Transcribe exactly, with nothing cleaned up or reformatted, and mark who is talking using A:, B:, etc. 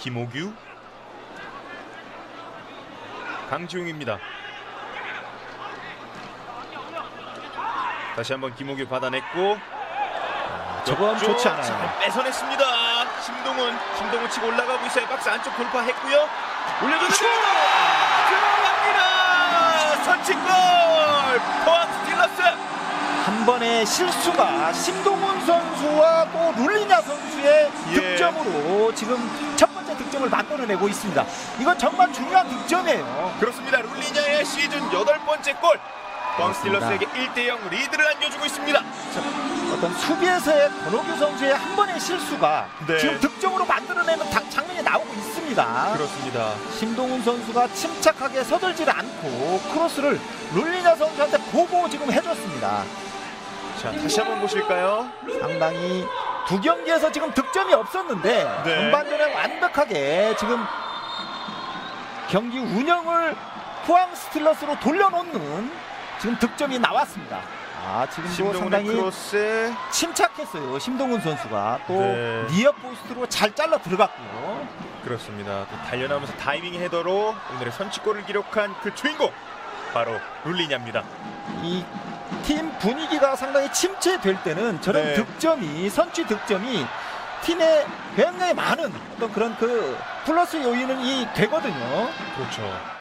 A: 김호규, 강지웅입니다. 다시 한번 김호규 받아냈고
B: 저건 좋지 않아요.
A: 잘 뺏어냈습니다. 심동훈, 심동훈 치고 올라가고 있어요. 박스 안쪽 돌파했고요. 올려주는 들어갑니다. 선취골 포항 스틸러스.
B: 한 번의 실수가 심동훈 선수와 또 룰리냐 선수의
A: 예.
B: 득점으로 지금 첫 번째 득점을 만들어내고 있습니다. 이건 정말 중요한 득점이에요.
A: 그렇습니다. 룰리냐의 시즌 여덟 번째 골. 포항
B: 그렇습니다.
A: 스틸러스에게 일 대 영 리드를 안겨주고 있습니다.
B: 어떤 수비에서의 권호규 선수의 한 번의 실수가
A: 네.
B: 지금 득점으로 만들어내는 다- 장면이 나오고 있습니다.
A: 그렇습니다.
B: 심동훈 선수가 침착하게 서들지 않고 크로스를 룰리냐 선수한테 보고 지금 해줬습니다.
A: 자, 다시 한번 보실까요?
B: 상당히 두 경기에서 지금 득점이 없었는데
A: 네.
B: 전반전에 완벽하게 지금 경기 운영을 포항 스틸러스로 돌려놓는 지금 득점이 나왔습니다. 아, 지금도
A: 심동훈의
B: 상당히
A: 크로스.
B: 침착했어요. 심동훈 선수가 또
A: 네.
B: 니어 포스트로 잘 잘라 들어갔고요.
A: 그렇습니다. 또 달려나오면서 다이빙 헤더로 오늘의 선취골을 기록한 그 주인공 바로 룰리냐입니다.
B: 이 팀 분위기가 상당히 침체될 때는 저런
A: 네.
B: 득점이 선취 득점이 팀에 굉장히 많은 어떤 그런 그 플러스 요인이 되거든요.
A: 그렇죠.